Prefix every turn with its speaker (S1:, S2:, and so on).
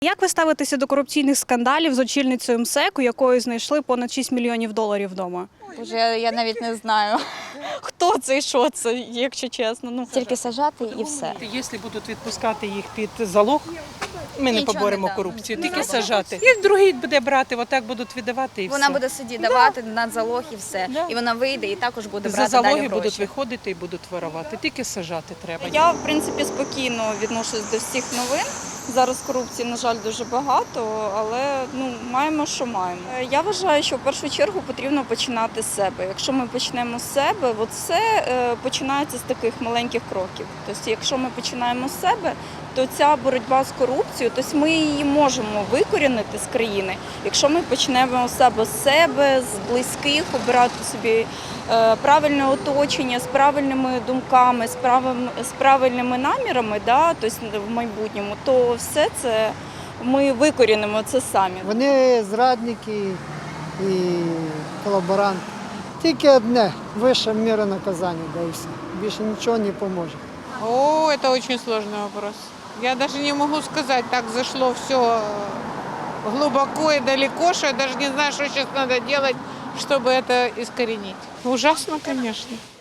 S1: Як ви ставитеся до корупційних скандалів з очільницею МСЕК, у якої знайшли понад $6 мільйонів вдома?
S2: Боже, я навіть не знаю.
S1: Хто це і що це, якщо чесно?
S2: Тільки сажати і все.
S3: Якщо будуть відпускати їх під залог, ми не
S2: Нічого
S3: поборемо
S2: не дам.
S3: корупцію, тільки сажати. І другий буде брати, отак будуть віддавати і все.
S2: Вона буде судді давати на залог і все.
S3: Да.
S2: І вона вийде і також буде
S3: За
S2: брати
S3: залоги
S2: далі
S3: будуть
S2: гроші.
S3: виходити і будуть вирувати, тільки сажати треба.
S4: Я, в принципі, спокійно відношусь до всіх новин. Зараз корупції, на жаль, дуже багато, але маємо, що маємо. Я вважаю, що в першу чергу потрібно починати з себе. Якщо ми почнемо з себе, все починається з таких маленьких кроків. Тобто, якщо ми починаємо з себе, то ця боротьба з корупцією, тобто ми її можемо викорінити з країни, якщо ми почнемо з себе, з близьких, обирати собі правильне оточення, з правильними думками, з правильними намірами, тобто в майбутньому, то все це ми викорінимо це самі.
S5: Вони зрадники і колаборанти. Тільки одне – вища міра наказання, да і все. Більше нічого не поможе.
S6: О, это очень сложный вопрос. Я даже не могу сказать, так зашло все глубоко и далеко, что я даже не знаю, что сейчас надо делать, чтобы это искоренить. Ужасно, конечно.